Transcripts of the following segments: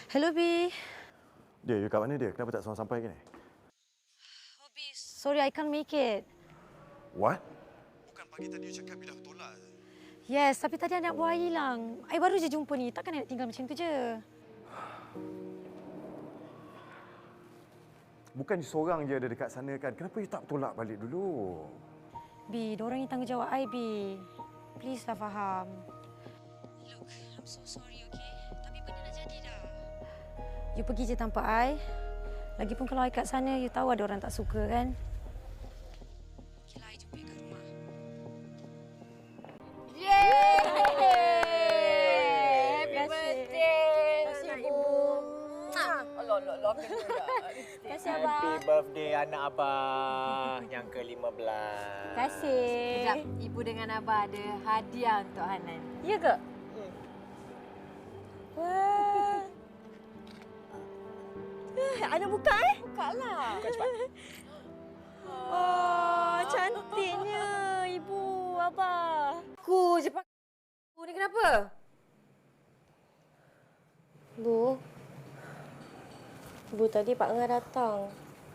Hello, B. Dia, you kat mana dia? Kenapa tak seorang sampai ke ni? Oh, B. Sorry, I can't make it. What? Bukan pagi tadi you cakap bila tolak. Yes, tapi tadi anak buah I hilang. I baru je jumpa ni. Takkan I nak tinggal macam tu je. Bukan seorang je ada dekat sana kan? Kenapa you tak tolak balik dulu? B, diorang ni tanggungjawab I, B. Please lah faham. Look, I'm so sorry, okay? Tapi benda dah jadi dah. You pergi je tanpa I. Lagipun kalau I kat sana, you tahu ada orang tak suka kan? Okeylah, I jumpa you kat rumah. Yeay! Happy Terima kasih. birthday! Terima kasih, anak Ibu. Allah, Terima kasih, Abang. Happy birthday anak abang yang ke-15. Terima kasih. Sekejap, Ibu dengan Abah ada hadiah untuk Hanan. Ya ke? Wah. Ana buka Bukalah. Bukan cepat. Oh, cantiknya ibu, abah. Aku je pakai. Bu ni kenapa? Bu tadi Pak Ngah datang.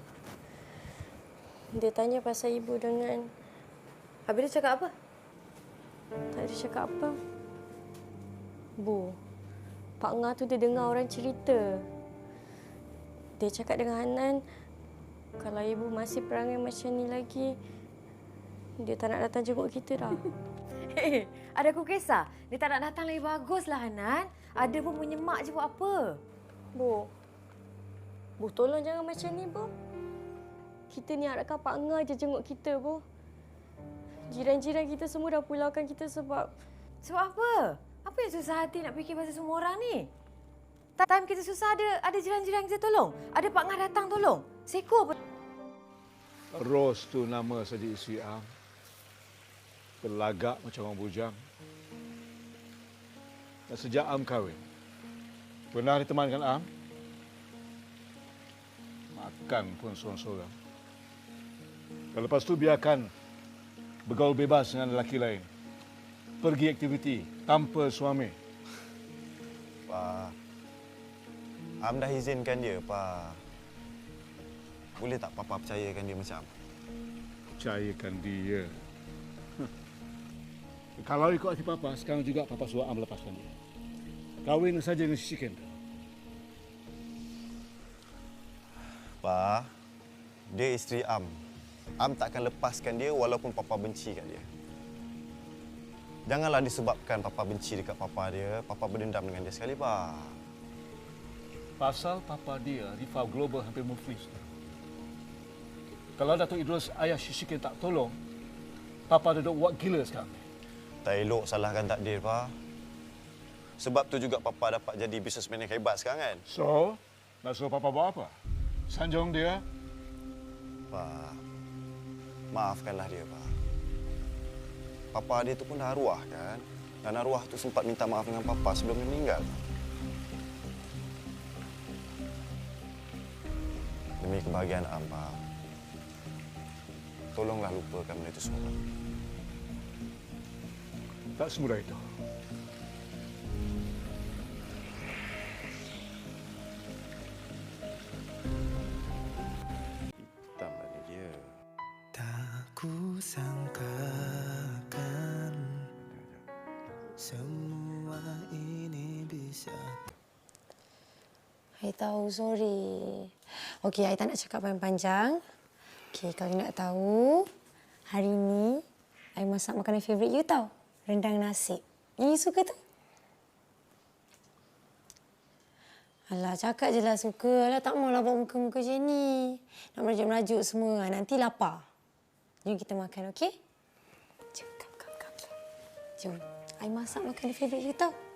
Dia tanya pasal ibu dengan... Habis dia cakap apa? Tak ada cakap apa. Bu, Pak Ngah tu dia dengar orang cerita. Dia cakap dengan Hanan, kalau ibu masih perangai macam ni lagi, dia tak nak datang jenguk kita dah. Ada aku kisah. Dia tak nak datang lagi baguslah Hanan. Ada pun menyemak je buat apa? Bu tolong jangan macam ni, Bu. Kita ni harapkan Pak Ngah je jenguk kita, Bu. Jiran-jiran kita semua dah pulaukan kita sebab... Sebab apa? Apa yang susah hati nak fikir pasal semua orang ni? Time kita susah ada jiran-jiran kita tolong. Ada Pak Ngah datang tolong. Seko pun. Ros tu nama saja isteri Am. Berlagak macam orang bujang. Dan sejak Am kahwin, pernah ditemankan Am? Makan pun seorang-seorang. Dan lepas tu biarkan bergaul bebas dengan lelaki lain. Pergi aktiviti tanpa suami. Pak, Am dah izinkan dia, Pak. Boleh tak Papa percayakan dia macam? Percayakan dia. Kalau ikut hati Papa, sekarang juga Papa suruh Am lepaskan dia. Kahwin saja dengan Sisi Kendall. Pak, dia isteri Am. Am takkan lepaskan dia walaupun Papa benci kat dia. Janganlah disebabkan Papa benci dekat Papa dia, Papa berdendam dengan dia sekali, Pak. Pasal Papa dia, rival global hampir muflis. Kalau Datuk Idrus ayah Sisi Kendall tak tolong, Papa duduk buat gila sekarang. Tak elok salahkan takdir, Pak. Sebab tu juga Papa dapat jadi businessman yang hebat sekarang kan? So, nak suruh Papa buat apa? Sanjung dia? Pak, maafkanlah dia, Pak. Papa dia tu pun dah arwah kan? Dan arwah tu sempat minta maaf dengan Papa sebelum dia meninggal. Demi kebahagiaan Am, Pak. Tolonglah lupakan benda itu semua. Tak semudah itu. Hitam tadi dia. Tak kusangkakan semua ini bisa. I tahu, sorry. Okey, I tak nak cakap panjang-panjang. Okey, kalau nak tahu, hari ni I masak makanan favourite you tahu. Rendang nasi. You suka tu? Alah, cakap je lah suka. Alah, tak maulah buat muka-muka macam ni. Nak merajuk-merajuk semua. Nanti lapar. Jom kita makan, okey? Jom, come. Jom. I masak makanan favourite you tahu.